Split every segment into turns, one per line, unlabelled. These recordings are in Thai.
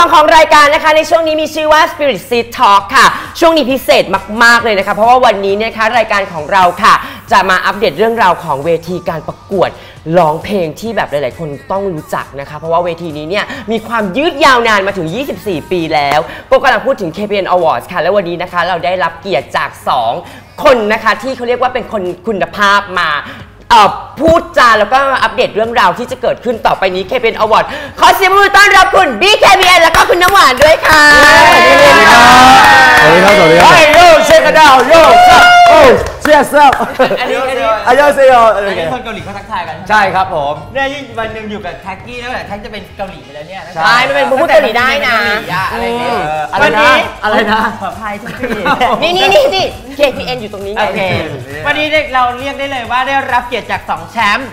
2ของรายการนะคะในช่วงนี้มีชื่อว่า Spirit Seed Talk ค่ะช่วงนี้พิเศษมากๆเลยนะคะเพราะว่าวันนี้เนี่ยคะรายการของเราค่ะจะมาอัปเดตเรื่องราวของเวทีการประกวดร้องเพลงที่แบบหลายๆคนต้องรู้จักนะคะเพราะว่าเวทีนี้เนี่ยมีความยืดยาวนานมาถึง24ปีแล้วก็กำลังพูดถึง KPN Awards ค่ะและวันนี้นะคะเราได้รับเกียรติจาก2คนนะคะที่เขาเรียกว่าเป็นคนคุณภาพมาพูดจาแล้วก็อัปเดตเรื่องราวที่จะเกิดขึ้นต่อไปนี้ KPN Award ขอเสียงปรบมือต้อนรับคุณ BKPN แล้วก็คุณน้ำหวานด้วยค่ะ
สวัสดีครับสวัสดีครับ
โยเชคกันดาวโยโอ้เชียร์ซับ
อันนี้
อายาเซโย
อันนี้คนเกาหลีเขาทักทายกัน
ใช่ครับผม
เนี่ยวันหนึ่งอยู่กับแท็กกี้แล้วแท็กจะเป็นเกาหลีไปแล้วเนี่ย
ใช่ไม่เป็นพูดเกาหลีได้นะ
อะไรเงี้ย
วันนี้อะไรนะ
ขออภัยทุกที
นี่ KPN อยู่ตรงนี้ไง
โอเควันนี้เราเรียกได้เลยว่าได้รับเกียรติจาก2แชมป์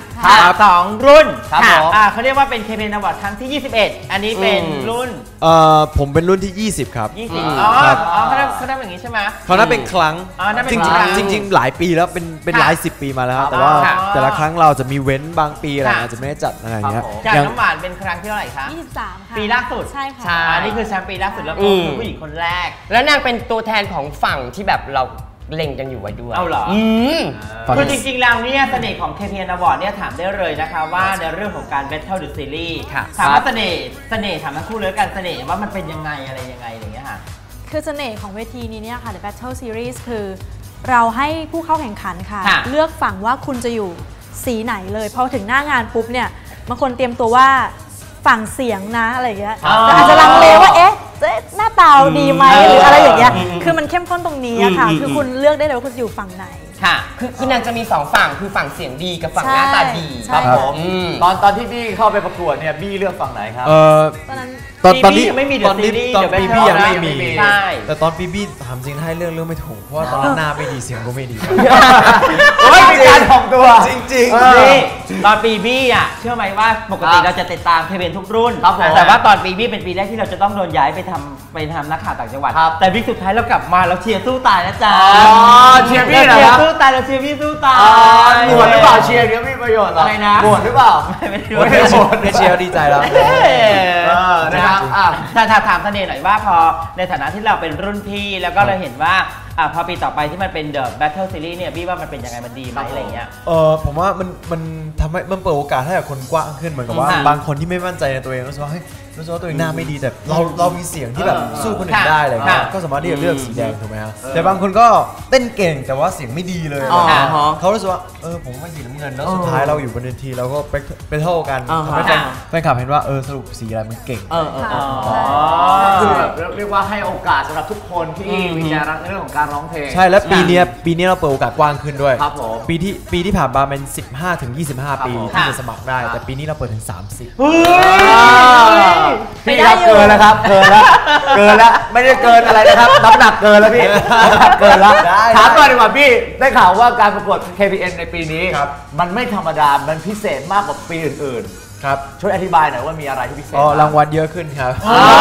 2รุ่น
ครับผม
เขาเรียกว่าเป็น KPN Award ครั้งที่21อันนี้เป็นรุ่น
ผมเป็นรุ่นที่20ครับ
20อ๋อเขาทำอย่างนี้ใช่ไหม
เขานับเป็นครั้งจริงหลายปีแล้วเป็นหลาย10 ปีมาแล้วแต่ว่าแต่ละครั้งเราจะมีเว้นบางปีอะไรอาจจะไม่ได้จัดอะไรอย่างเงี้ย
จากน้ำหวานเป็นครั้งที่เท่าไหร่คะ
23ค่ะ
ปีล่าสุด
ใช่ค่ะ
อันนี้คือแชมป์ปีล่าสุดแล้วคือผู้หญิงคนแรก
แล้วนางเป็นตัวแทนของฝั่งที่แบบเราเล็งกันอยู่ไว้ด้วย
เอาเหรอคือจริงๆแล้วเนี่ยเสน่ห์ของ KPN Award เนี่ยถามได้เลยนะคะว่าในเรื่องของการ Battle the Series ถามว่าเสน่ห์ถามทั้งคู่เลยกันเสน่ห์ว่ามันเป็นยังไงอะไรยังไงอย่างเงี้ยค่ะ
คือเสน่ห์ของเวทีนี้เนี่ยค่ะ The Battle Series คือเราให้ผู้เข้าแข่งขันค่ะเลือกฝั่งว่าคุณจะอยู่สีไหนเลยพอถึงหน้างานปุ๊บเนี่ยบางคนเตรียมตัวว่าฝั่งเสียงนะอะไรอย่างเงี้ยแต่อาจจะลังเลว่าเอ๊ะหน้าตาดีไหมหรืออะไรอย่างเงี้ยคือมันเข้มข้นตรงนี้ค่ะคือคุณเลือกได้เลยว่าคุณจะอยู่ฝั่งไหน
ค่ะคือนางจะมี2ฝั่งคือฝั่งเสียงดีกับฝั่งหน้าตาดี
ครับผมตอนที่บี้เข้าไปประกวดเนี่ยบี้เลือกฝั่งไหนครับ
ตอนนี้
ไม่มี
ตอนปีบี้ยังไม่มี
ใช่
แต่ตอนปีบี้ถามจริงให้เรื่องไม่ถูกเพราะว่าตอนนั้นหน้าไม่ดีเสียงก็ไม่ดี
ไม่มีการถ่อมตัว
จริง
ตอนปีบี้อ่ะเชื่อไหมว่าปกติเราจะติดตาม KPN ทุกรุ่นแต่ว่าตอนปีบี้เป็นปีแรกที่เราจะต้องโดนย้ายไปทำนักข่าวต่างจังหวัดแต่วิกสุดท้ายเรากลับมาเราเชียร์สู้ตายนะจ๊ะ
เชียร์บี้เหรอ
เชียร์สู้ตายเราเชียร์บี้สู้ตาย
หมวดหรือเปล่าเชียร์เนี่ยมีประโยชน์อะไร
นะ
หมวดหรือเปล่า
ไม่
เชียร์ดีใจแล้ว
นะครับถ้าถามเสน่ห์หน่อยว่าพอในฐานะที่เราเป็นรุ่นพี่แล้วก็เราเห็นว่าพอปีต่อไปที่มันเป็น The Battle Series เนี่ยพี่ว่ามันเป็นยังไงมันดีไหมอะไรเงี้ย
ผมว่ามันทำให้มันเปิดโอกาสให้กับคนกว้างขึ้นเหมือนกับว่าบางคนที่ไม่มั่นใจในตัวเองรู้สึกว่าตัวเองหน้าไม่ดีแต่เรามีเสียงที่แบบสู้คนอื่นได้อะไรเงี้ยก็สามารถที่จะเลือกสีแดงถูกไหมครับแต่บางคนก็เต้นเก่งแต่ว่าเสียงไม่ดีเลยเขารู้สึกว่าผมว่าสีน้ำเงินแล้วสุดท้ายเราอยู่บนเวทีเราก็ไปเท่ากันทำให้แฟนคลับเห็นว่าสรุปสีอะไรมันเก่ง
คือแบบเรียกว่าให้โอกาสสำหรับทุกคนที่มีใจรักในเรื่องของการร้องเพลง
ใช่และปีนี้เราเปิดโอกาสกว้างขึ้นด้วยปีที่ผ่านมาเป็น15 ถึง 25 ปีที่จะสมัครได้แต่ปีนี้เราเปิดถึง30
พี่ครับเกินแล้วครับเกินแล้วไม่ได้เกินอะไรนะครับน้ำหนักเกินแล้วพี่เกินแล้วถามก่อนดีกว่าพี่ได้ข่าวว่าการประกวด KPN ในปีนี้มันไม่ธรรมดามันพิเศษมากกว่าปีอื่นๆครับช่วยอธิบายหน่อยว่ามีอะไรที่พิเศษ
รางวัลเยอะขึ้นครับ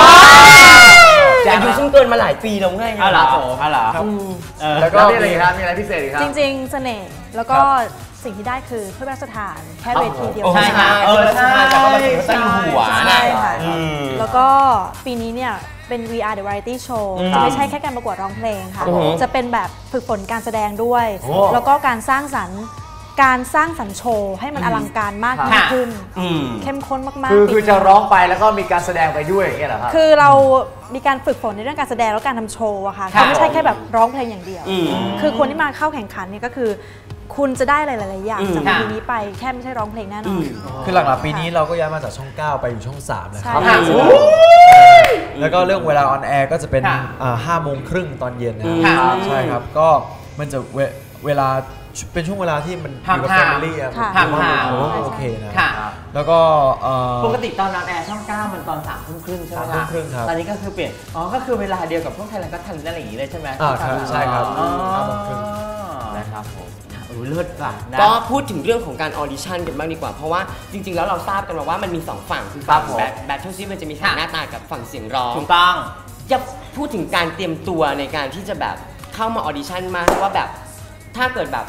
อายุซึ่งเกินมาหลายปีแล้วไง
อ๋อเหรอ
แล้วก็มีอะไรครับมีอะไรพิเศษอีกครับ
จริงๆเสน่ห์แล้วก็สิ่งที่ได้คือเพื่อพระราชทานแค่เวทีเดียว
ใช่ค่ะใช่แต่ก็มาถึงตั้งหัว
ใช่ค่ะแล้วก็ปีนี้เนี่ยเป็น VR The Variety Show จะไม่ใช่แค่การประกวดร้องเพลงค่ะจะเป็นแบบฝึกฝนการแสดงด้วยแล้วก็การสร้างสรรค์โชว์ให้มันอลังการมากยิ่งขึ้นเข้มข้นมาก
ๆคือจะร้องไปแล้วก็มีการแสดงไปด้วยอย่างเงี้ยเหรอครับ
คือเรามีการฝึกฝนในเรื่องการแสดงแล้วการทำโชว์อะค่ะไม่ใช่แค่แบบร้องเพลงอย่างเดียวคือคนที่มาเข้าแข่งขันเนี่ยก็คือคุณจะได้หลายๆอย่างจากปีนี้ไปแค่ไม่ใช่ร้องเพลงแน่นอน
คือหลักๆปีนี้เราก็ย้ายมาจากช่อง 9 ไปอยู่ช่อง 3นะครับแล้วก็เรื่องเวลาออนแอร์ก็จะเป็น5 โมงครึ่งตอนเย็นนะครับใช่ครับก็มันจะเวลาเป็นช่วงเวลาที่มันอยู่กับแฟมิลี่อะโอเคนะแล้วก็
ปกติตอนออนแอร์ช่อง 9มันตอน3 ทุ่มครึ่งใช่ไหมครับตอนนี้ก็คือเปลี่ยนก็คือเวลาเดียวกับพวกไทยแลนด์ก็ทันอะไรอย่างนี้เลยใช่ไหม
ใช่ครับ
นะครับผมเลิศป่ะ
ก็พูดถึงเรื่องของการออดิชั่นกันบ้างดีกว่าเพราะว่าจริงๆแล้วเราทราบกันมาว่ามันมี2ฝั่งคือฝั่งแบทเทิลซีมันจะมีฝั่งหน้าตากับฝั่งเสียงร้อง
ถูกต้อง
จะพูดถึงการเตรียมตัวในการที่จะแบบเข้ามาออดิชั่นมาว่าแบบถ้าเกิดแบบ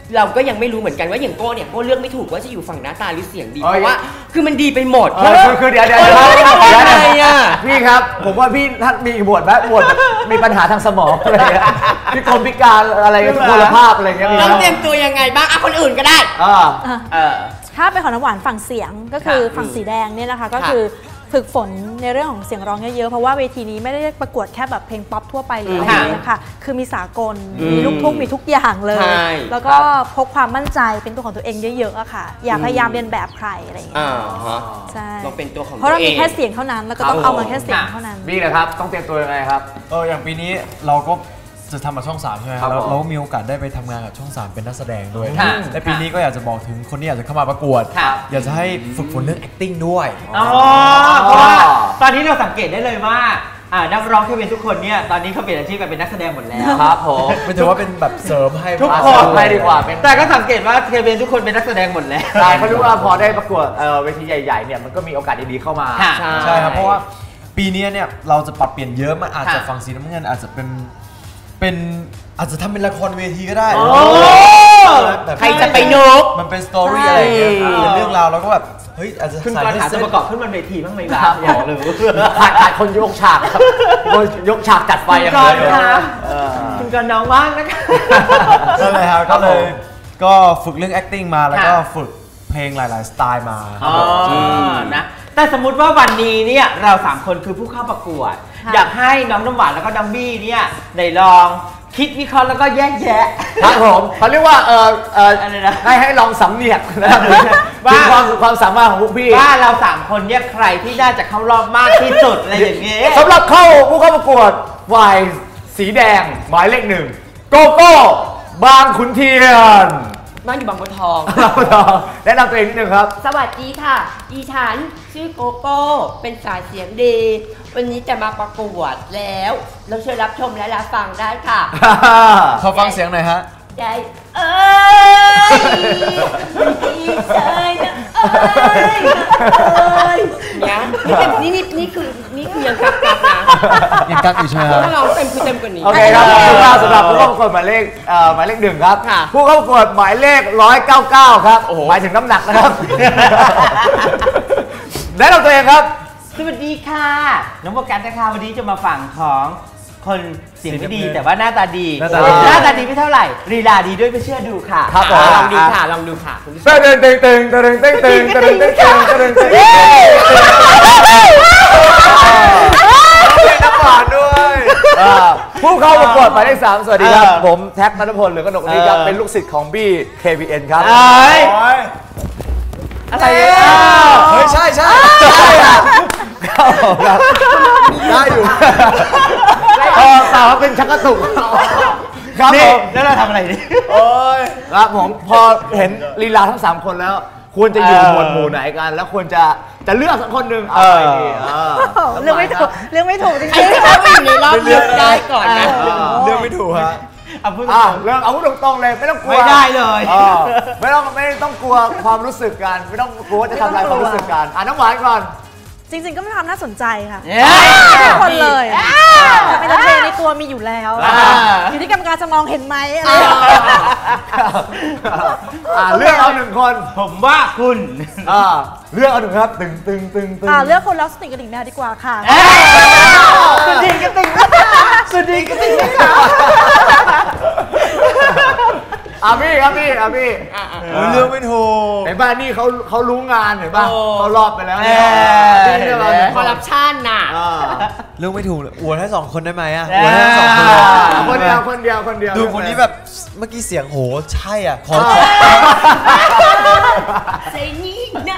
เราก็ยังไม่รู้เหมือนกันว่าอย่างโก้เนี่ยโก้เลือกไม่ถูกว่าจะอยู่ฝั่งหน้าตาหรือเสียงดีเพราะว่าคือมันดีไปหมด
คือเดี๋ยวพี่ครับผมว่าพี่ท่านมีบวชไหมบวชมีปัญหาทางสมองอะไรพี่กรมพิการอะไรทุกพลภาพอะไรเงี้ย
ต้องเตรียมตัวยังไงบ้างคนอื่นก็ได้
ถ้าเป็นของน้ำหวานฝั่งเสียงก็คือฝั่งสีแดงเนี่ยนะคะก็คือฝึกฝนในเรื่องของเสียงร้องเยอะๆเพราะว่าเวทีนี้ไม่ได้ประกวดแค่แบบเพลงป๊อปทั่วไปหรืออะไรอย่างเงี้ยค่ะคือมีสากลมีลูกทุ่งมีทุกอย่างเลยแล้วก็พกความมั่นใจเป็นตัวของตัวเองเยอะๆอะค่ะอย่าพยายามเรียนแบบใครอะไรอย่างเงี้ยใช่
เราเป็นตัวของ
เพราะเรามีแค่เสียงเท่านั้นแล้วก็ต้องเอามาแค่เสียงเท่านั้น
นี่แหละครับต้องเตรียมตัวยังไงครับ
อย่างปีนี้เราก็จะทำมาช่อง 3ใช่ไหมครับแล้วเรามีโอกาสได้ไปทำงานกับช่อง 3เป็นนักแสดงด้วยและปีนี้ก็อยากจะบอกถึงคนที่อยากจะเข้ามาประกวดอยากจะให้ฝึกฝนเรื่อง acting ด้วย
เพราะว่าตอนนี้เราสังเกตได้เลยว่านักร้องเควินทุกคนเนี่ยตอนนี้เขาเปลี่ยนอาชีพไปเป็นนักแสดงหมดแล้ว
ครับผม
ไม่ถือว่าเป็นแบบเสริมให้
ทุกคนไปดีกว่า
แต่ก็สังเกตว่าเควินทุกคนเป็นนักแสดงหมดแล้ว
ใช่เพราะรู้ว่าพอได้ประกวดเวทีใหญ่ๆเนี่ยมันก็มีโอกาสดีๆเข้ามา
ใช่ครับเพราะว่าปีนี้เนี่ยเราจะปรับเปลี่ยนเยอะมันอาจจะฝั่งสีน้ำเงินอาจจะเป็นอาจจะทำเป็นละครเวทีก็ได้
ใครจะไปนก
มันเป็นสตอรี่อะไรอย่างเงี้ยเป็นเรื่องราวแล้วก็แบบเฮ้ยอาจจะ
ขึ้นการหาตัวประกอบขึ้นมันเวทีบ้างไหมล่ะอยากรู้
ขาดคนยกฉากครับยกฉากจัดไฟอย่างเดียว
คุณกันน้องว่างนะคะ
นั่นเลยครับก็เลยก็ฝึกเรื่อง acting มาแล้วก็ฝึกเพลงหลายๆสไตล์มา
นะแต่สมมติว่าวันนี้เนี่ยเรา3คนคือผู้เข้าประกวดอยากให้น้องน้ำหวานแล้วก็น้องบี้เนี่ยในลองคิดวิเคราะห์แล้วก็แยกแยะ
ครับผมเขาเรียกว่าอะไรนะให้ลองสำเนียกนะครับว่าความสามารถของพวกพี่
ว่าเรา3คนเนี่ยใครที่น่าจะเข้ารอบมากที่สุดอะไรอย่างเงี้ย
สำหรับผู้เข้าประกวดฝ่ายสีแดงหมายเลข1โกโก้บางขุนเทียน
บ้านอยู่บางบัวทอง
แนะนำตัวเองนิดนึงครับ
สวัสดีค่ะดิฉันชื่อโกโก้เป็นสายเสียงดีวันนี้จะมาประกวดแล้วเราเชิญรับชมและรับฟังได้ค่ะ
ขอฟังเสียงหน่อยฮะ
ใจนี่คือยังกักนะ
ยังกักอยู่ใช่ไหม
ถ้าเราเต็มคือเต็มกว่านี้
โอเคครับสำหรับผู้เข้าประกวดหมายเลข1ครับผู้เข้าประกวดหมายเลข199ครับหมายถึงน้ำหนักนะครับแนะนำตัวเองครับ
สวัสดีค่ะน้องโบกันนะคะวันนี้จะมาฝั่งของคนเสียงไม่ดีแต่ว่าหน้าตาดีไม่เท่าไหร่ลีลาดีด้วยไม่เชื่อดูค่ะ
ครับ
ลองดูค่ะเ
ตึงน้ำหวานด้วยผู้เข้าประกวดหมายเลข3สวัสดีครับผมแท็กณัฐพลหรือกนกนี้ครับเป็นลูกศิษย์ของบี้ KPN ครับ
อะไร
เฮ้ยใช่
ได้อยู่สาวเป็นชักกระตุกครับผม
แล้วเราทำอะไรดิ
ครับผมพอเห็นลีลาทั้ง3คนแล้วควรจะอยู่หมวดหมู่ไหนกันแล้วควรจะเลือกสักคนหนึ่งอะไรดี
เลือกไม่ถูกจริง
ๆถ้าอยู่ในรอบเลือกได้ก่อนนะ
เลือกไม่ถูกฮะ
เรื่องเอาตรงๆเลยไม่ต้องกลัว
ไม่ได้เลย
ไม่ต้องกลัวความรู้สึกกันไม่ต้องกลัวจะทำลายความรู้สึกกันน้ำหวานก่อน
จริงๆก็ไม่ความน่าสนใจค่ะทุกคนเลยเป็นเพลงในตัวมีอยู่แล้วอยู่ที่กรรมการจะมองเห็นไหมอะไร
เลือกเอา1คน
ผมว่าคุณ
เลือกเอา1ครับตึง
เลือกคนแล้วสนิทกับดิ่งแมวดีกว่าค่ะ
สุดดิ่งกับดิ่ง
พี่ครับพี่
เลือกไม่ถูก
เห็นป่ะนี่เขารู้งานเห็นป่ะเขารอบไปแล้วเนี่ย
คอร์รัปชันน่ะ
เลือกไม่ถูกอวดให้2คนได้ไหมอ่ะ
อวดให้2คนเดียว
ดูคนนี้แบบเมื่อกี้เสียงโหใช่อ่ะขอ
เสียงนี้นะ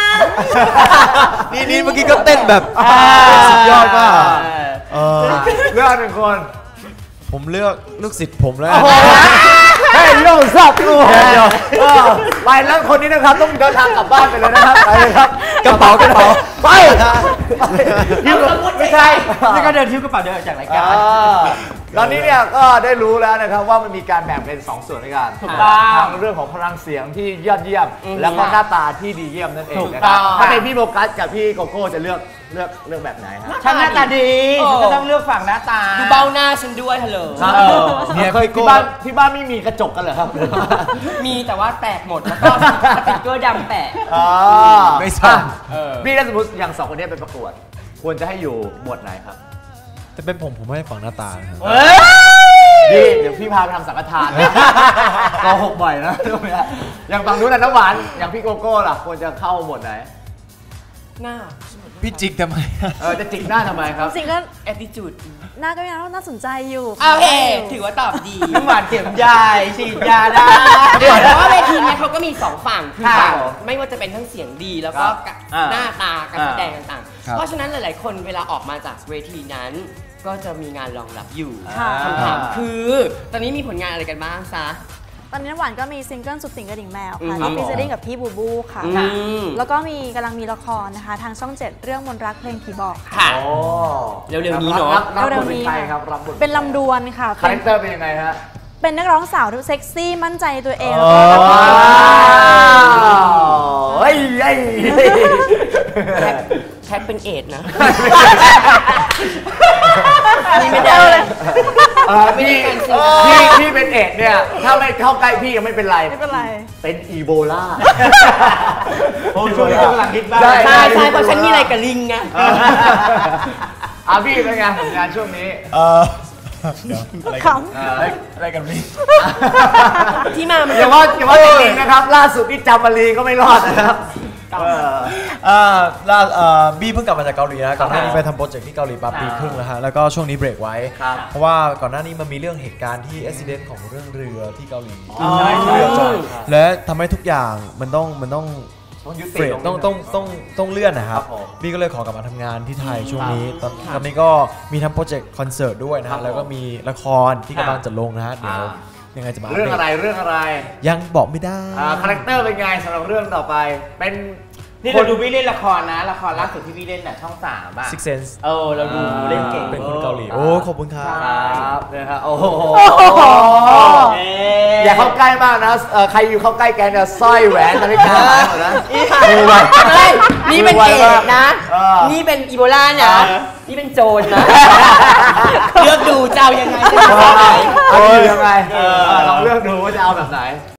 นี่เมื่อกี้ก็เต้นแบบสุดยอดมาก
เลือก1คน
ผมเลือกลูกศิษย์ผมแล้ว
ให้โยกซับลูกไปแล้วคนนี้นะครับต้องเดินทางกลับบ้านไปเลยนะครับไปเลยครับ
กระเป๋า
ไป
ยิ้มไม่ใช่นี่ก็เดินทิ้วกระเป๋าเดินจากรายการ
ตอนนี้เนี่ยก็ได้รู้แล้วนะครับว่ามันมีการแบ่งเป็น2ส่วนด้วยกัน
ถูกต้อง
ทางเรื่องของพลังเสียงที่ยอดเยี่ยมแล้วก็หน้าตาที่ดีเยี่ยมนั่นเอง
ถูก
นะค
ต้
รั
อบ ง
ถ้าเป็นพี่โบกัสกับพี่โกโก้จะเลือกแบบไหนฮะ
ฉันหน้าตาดีฉันก็ต้องเลือกฝั่งหน้าตา
ดูเบ้าหน้าฉันด้วยฮัลโหล
เนี่ย
เคย
พี่
ที่
โก้
บ้านไม่มีกระจกกันเหรอครับ
มีแต่ว่าแตกหมดแล้วก็สติ๊กเกอร์ดำแปะ
ไม่ส่ง
พี่ถ้าสมมติอย่าง2คนนี้ไปประกวด ควรจะให้อยู่หมวดไหนครับ
แต่เป็นผมให้ฝั่งหน้าตานะครับ
พี่เดี๋ยวพี่พาไปทำสังฆทานนะโกหกบ่อยนะอย่างฝั่งนู้นน่ะน้ำหวานอย่างพี่โกโก้ล่ะควรจะเข้าหมวดไหน
หน้า
พี่จิกทำไม
จะจิกหน้าทำไมครับ
จริงๆก็
attitude
หน้าก็ยังน่าสนใจอยู่
โอเคถือว่าตอบดี
น้ำหวานเข็มใหญ่ฉีดยาได้
เพราะว่าเวทีเนี้ยเขาก็มี2ฝั่งคือ
ค่ะ
ฝั่งไม่ว่าจะเป็นทั้งเสียงดีแล้วก็
อ่า
หน้าตาการแสดงต่าง
ครับ
ๆ เพราะฉะนั้นหลายๆ คนเวลาออกมาจากเวทีนั้น ก็จะมีงานรองรับอยู่
ค่ะ
คำถามคือ ตอนนี้มีผลงานอะไรกันบ้างซะ
ตอนนี้น้ำหวานก็มีซิงเกิลสุดติ่งกระดิ่งแมวค่ะ
อืม
ที่ฟีเจอริ่งกับพี่บูบูค่ะ
อืม
แล้วก็กำลังมีละครนะคะ ทางช่อง 7 เรื่องมนต์รักเพลงผีบอกค่ะ
ค่ะ
โอ้
เร็วๆนี้เนอะ
รับบท
เร็วๆ
เป็น
นี้
ใครครับรับบท
เป็นลำดวนค่ะ
คาแรคเตอร์เป็นยังไงฮะ
เป็นนักร้องสาวที่เซ็กซี่มั่นใจในตัวเอง
อ๋อ
แล้วก็
เฮ้ย
แท็กเป็นเอดนะนี่ไม่ได้เลย ไม่ได้การซื้อ
พี่เป็นเอดเนี่ย ถ้าไม่เข้าใกล้พี่ยังไม่เป็นไร
ไม่เป็นไร
เป็นอีโบลา
โอ้ช่วงนี้กำลังฮิตบ้าง
ใช่
ใช่ใช่เพราะฉันมีอะไรกับลิงไง
พี่เป็นไงผลงานช่วงนี้
เดี๋ยวอะไร
ข
กันอะไรกันพี่
ที่มามัน
อย่าว่าเด็กๆนะครับ ล่าสุดที่จำมารีก็ไม่รอดนะครับ
บี้เพิ่งกลับมาจากเกาหลีนะก่อนหน้านี้ไปทำโปรเจกต์ที่เกาหลีมาปีครึ่งแล้วฮะแล้วก็ช่วงนี้เบรกไว้
ครับ
เพราะว่าก่อนหน้านี้มันมีเรื่องเหตุการณ์ที่อุบิเหตุของเรื่องเรือที่เกาหลี
ใช่ใช่
เรือจอดและทำให้ทุกอย่างมันต้อง
ต้องยุติ
เฟรดต้องเลื่อนนะครับ
ครับผม
บี้ก็เลยขอกลับมาทำงานที่ไทยช่วงนี้ตอนนี้ก็มีทำโปรเจกต์คอนเสิร์ตด้วยนะ
ครั
ฮะ
บ
แล้วก็มีละครที่กำลังจะลงนะฮะเดี๋ยวยังไงจะมา
เรื่องอะไรเรื่องอะไร
ยังบอกไม่ได้
คาแรคเตอร์เป็นไงสำหรับเรื่องต่อไป เป็น
นี่เราดูพี่เล่นละครนะ ละครล่าสุดที่พี่เล่นน่ะช่อง3 อ่ะ
Six Sense
เราดูเล่นเก่ง
เป็นคนเกาหลีโอ้ขอบคุณครับ
ครับนะฮะโอ้โห
เอ๊
อย่าเข้าใกล้มากนะใครอยู่เข้าใกล้แกเนี่ยสร้อยแหวนนาฬิกาหายหมดนะ
ไม่นี่เป็นเอดนะ
เออ
นี่เป็นอีโบลานะ นี่เป็นโจรนะ เลือกดูเจ้ายังไงจะ
เอา
เอาไหน
ยังไงลองเลือกดูว่าจะเอาแบบไหน